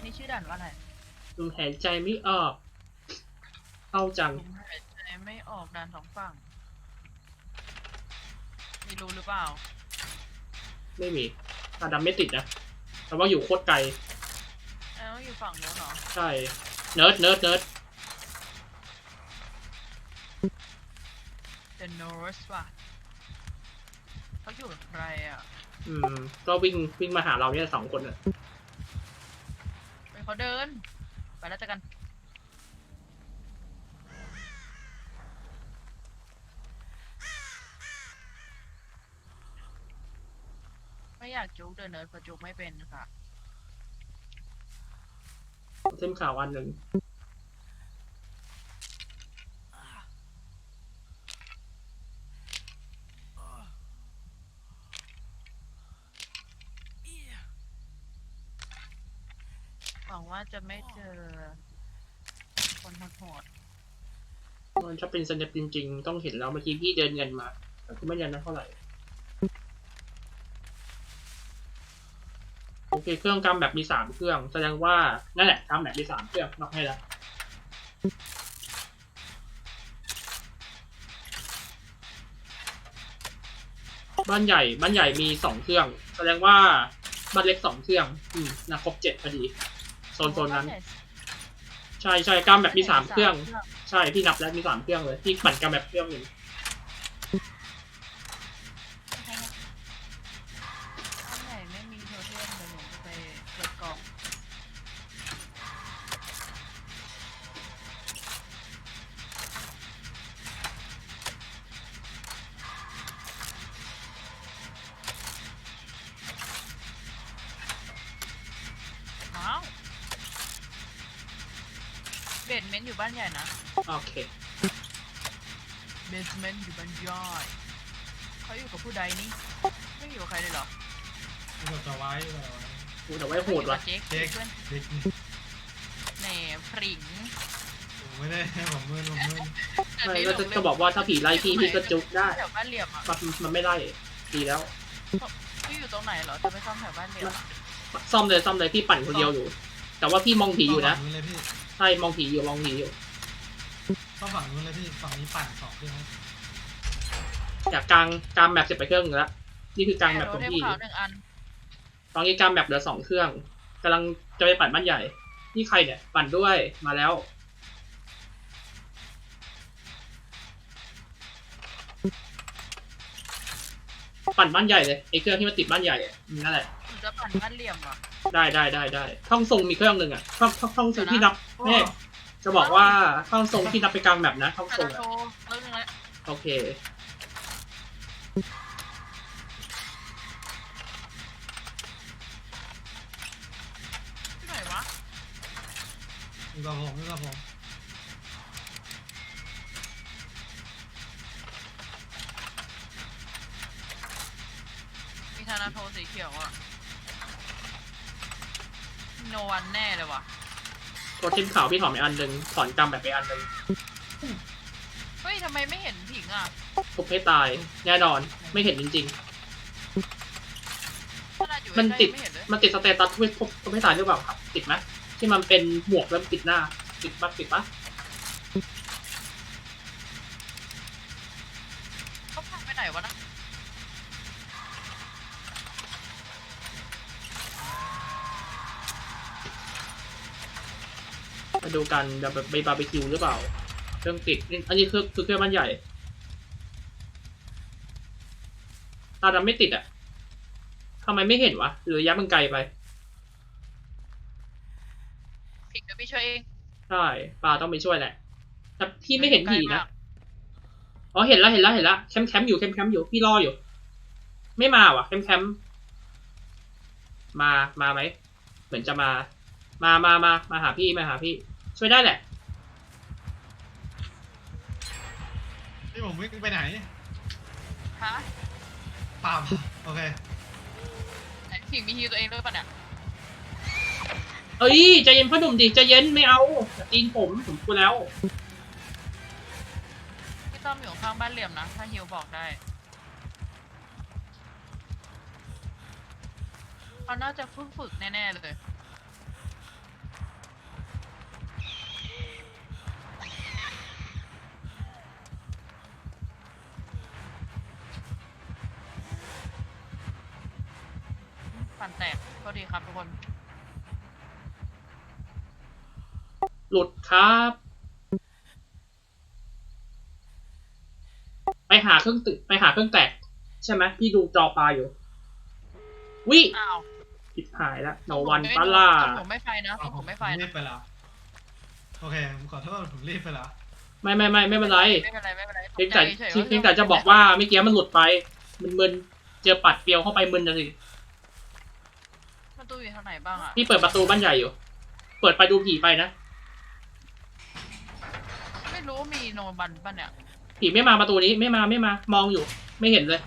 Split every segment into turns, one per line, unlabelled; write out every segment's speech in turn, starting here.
นี่ชื่อด่านว่าอะไร
ลมหายใจไม่ออกเข้าจัง
ลมหายใจไม่ออกด่านสองฝั่งมีรู้หรือเปล่า
ไม่มีตาดำไม่ติดนะแต่ว่าอยู่โคตรไกล
แล้วอยู่ฝั่งโน้นเหรอ
ใช่เนิร์ดเนิร์ดเนิร์ด
The North ว่ะเขาอยู่กับใครอ่ะ
ก็วิ่งมาหาเราเนี่ย2 คนอ่ะ
เป็นเขาเดินไปแล้วเจอกันไม่อยากจุกเดินเนิร์ดเพราะจุกไม่เป็นค่ะ
เส้นข่าวอันหนึ่ง
หวังว่าจะไม่เจอคนโหด
มันจะเป็นสเนปจริงๆต้องเห็นแล้วเมื่อกี้พี่เดินเงินมาแต่ก็ไม่ยันนะเท่าไหร่โอเคเครื่องกำแบบมี3 เครื่องแสดงว่านั่นแหละกำแบบมี3 เครื่องนอกให้แล้วบ้านใหญ่มี2 เครื่องแสดงว่าบ้านเล็ก2 เครื่องนะครบ7พอดีโซนนั้นใช่กำแบบมี3 เครื่องใช่พี่นับแล้วมี3 เครื่องเลยพี่ปั่นกำแบบเครื่องหนึ่ง
บ้านใหญ่ไม่มีโทเทมเดี๋ยวหนูจะไปเปิดกล่องว้าวเบสเมนต์อยู่บ้านใหญ่นะ
โอเค
เบสเมนต์อยู่บ้านย่อยเขาอยู่กับผู้ใดนี่ไม่อยู่กับใครเลยเหรอ
เราจะไว้
แต่ไว้โหดว่ะ
เจ๊ก
เด็ก
เพื่อน
เด็ก
แหน่พริง
ผมไม่ได้ผมมือ
ไม่ก็จะบอกว่าถ้าผีไล่พี่ก็จุกได้
แถวบ้านเหลี่ยมอ่ะ
มันไม่ไล่ดีแล้ว
พี่อยู่ตรงไหนเหรอจะไปซ่อมแถวบ้านเหลี่ยม
ซ่อมเลยพี่ปั่นคนเดียวอยู่ แต่ว่าพี่มองผีอยู่นะใช่มองผีอยู่
ต้องฝั่งนู้นเลยพี่ฝั่งนี้ปั่น2 เครื่อง
อยากกลางแบบเสร็จไปเครื่องนึงแล้วนี่คือกลางแบบของพี่ตอนนี้กลางแบบเหลือ2 เครื่องกำลังจะไปปั่นบ้านใหญ่นี่ใครเนี่ยปั่นด้วยมาแล้วปั่นบ้านใหญ่เลยไอ้เครื่องที่มันติดบ้านใหญ่นั่นแหละ
จะปั่นบ้านเหลี่ยมอ่ะ
ได้ท่องทรงมีเครื่องหนึ่งอ่ะท่องทรงที่นับแม่จะบอกว่าท่องทรงที่นับไปกลางแบบนะท่องทรงโอเค
ที่ไหนวะ
อยู่กับผม
มีธนาโทสีเขียวอ่ะโนวันแน่เลยว่ะ
ตัวเทมขาวพี่ถอนไปอันหนึ่งถอนกำแบบไปอันหนึ่ง
เฮ้ยทำไมไม่เห็นผิงอ่ะ
ทุบให้ตายแน่นอนไม่เห็นจริงๆมันติดสเตตัสทุบให้ตายหรือเปล่าครับติดไหมที่มันเป็นหมวกแล้วติดหน้าติดปะ
เขาพังไปไหนวะนะ
มาดูกันแบบไปบาร์บีคิวหรือเปล่าเครื่องติดอันนี้คือเครื่องบ้านใหญ่ตาดำไม่ติดอ่ะทำไมไม่เห็นวะหรือระยะมันไกลไป
ผิงเดี๋ยวพี่ช่วยเอง
ใช่ปลาต้องไปช่วยแหละแต่พี่ไม่เห็นผีนะอ๋อเห็นแล้วแคมป์อยู่พี่รออยู่ไม่มาว่ะแคมป์มาไหมเหมือนจะมาหาพี่ช่วยได้แหละ
นี่ผมวิ่งไปไหน
ฮะ
ป่าโอเค
ผิงมีฮิวตัวเองด้วยป่ะเนี่ย
เอ้ยใจเย็นพ่อหนุ่มดิใจเย็นไม่เอาตีนผมกลัวแล้ว
พี่ต้อมอยู่ข้างบ้านเหลี่ยมนะถ้าฮิวบอกได้เขาน่าจะฝึกแน่ๆเลยฟันแตกก็ดีครับทุกคน
หลุดครับ ไปหาเครื่องแตกใช่ไหมพี่ดูจอปลาอยู่ วิ
อ้าว
ผิดหายแล้วโนวันปาล่า
ผมไม่ไฟนะผมไม่ไฟ
รี
นะ
บไปแล้วโอเคผมขอโทษผมรีบไปแล้ว
ไม่เป็นไร
ไม่เป็นไร
เพียงแต่จะบอกว่าเมื่อกี้มันหลุดไปมึนเจอปัดเปรียวเข้าไปมึนนะสิ
ประตูอยู่ทางไหนบ้างอ่ะ
พี่เปิดประตูบ้านใหญ่อยู่ เปิดไปดูผีไปนะ
ไม่รู้มีโนบันป่ะเนี่ย
ผีไม่มาประตูนี้ไม่มามองอยู่ ไม่เห็นเลย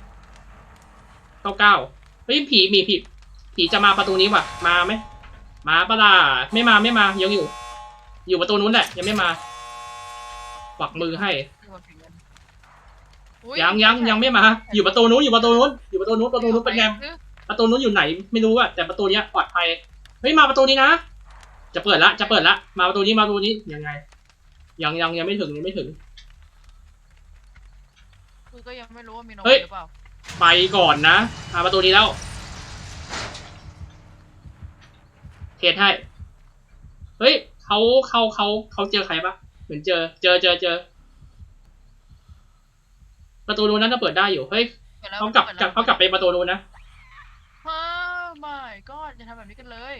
99เฮ้ยผีจะมาประตูนี้ว่ะมาไหมมาปะล่ะไม่มายังอยู่ประตูนู้นแหละยังไม่มาปักมือให้ ยังไม่มา อยู่ประตูนู้นประตูนู้นเป็นไงประตูนู้นอยู่ไหนไม่รู้อะแต่ประตูเนี้ยปลอดภัยเฮ้ยมาประตูนี้นะจะเปิดละมาประตูนี้ยังไงยังไม่ถึง
คือก็ยังไม่รู้ว่ามีโน
เฮ้
บั
ย
นหรือเปล่า
ไปก่อนนะมาประตูนี้แล้วเทสให้เฮ้ยเขาเจอใครปะเหมือนเจอประตูนู้นนั้นจะเปิดได้อยู่เฮ้ยเขากลับไปประตูนู้นนะ
ฮ่าไม่ก็จะทำแบบนี้กันเลย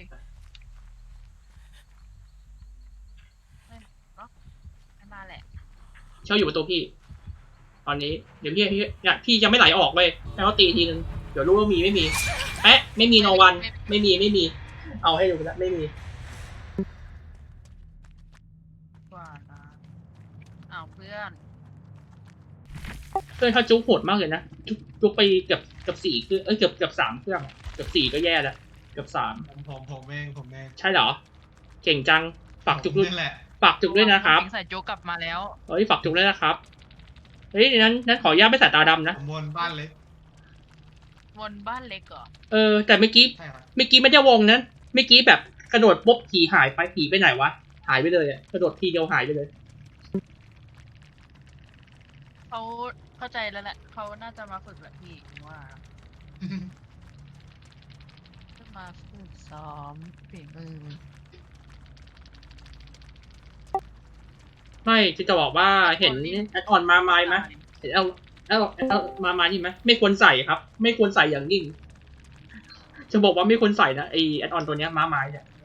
มาแหละ
เช่าอยู่ประตูพี่ ตอนนี้เดี๋ยวพี่จะไม่ไหลออกเลยให้เขาตีทีนึงเดี๋ยวรู้ว่ามีไม่มีเอ๊ะไม่มีโนวันไม่มีเอาให้ดูแล้วไม่มี
กว่านะอ้าวเพื่อน
เขาจุกโหดมากเลยนะจุกไปเกือบ4เครื่องเกือบ3เครื่องเกือบ4ก็แย่แล้วเกือบ3
ผมเอง
ใช่เหรอเก่งจังฝากจุกด้วย
นี่แหละ
ฝากจุกด้วยนะครับ
ใส่โจ๊กกลับมาแล้ว
เฮ้ยฝากจุกด้วยนะครับเฮ้ยนั้นขออนุญาตไม่ใส่ตาดำนะ
ผมวนบ้านเล็ก
วนบ้านเล็กเหรอ
แต่เมื่อกี้
ใช่ครับ
ไม่ได้วงนั้นเมื่อกี้แบบกระโดดปุ๊บผีหายไปผีไปไหนวะหายไปเลยอะกระโดดทีเดียวหายไปเลย
เขาเข้าใจแล้วแหละเขาน่าจะมาฝึกแหละพี่ว่าจะมาฝึกซ้อมฝีมือ
ไม่จะบอกว่าเห็นแอดออนมาไหมเห็นเอามาที่ไหมไม่ควรใส่ครับ ไม่ควรใส่อย่างยิ่งจะบอกว่าไม่ควรใส่นะไอแอดออนตัวเนี้ยมาไม้เนี่ย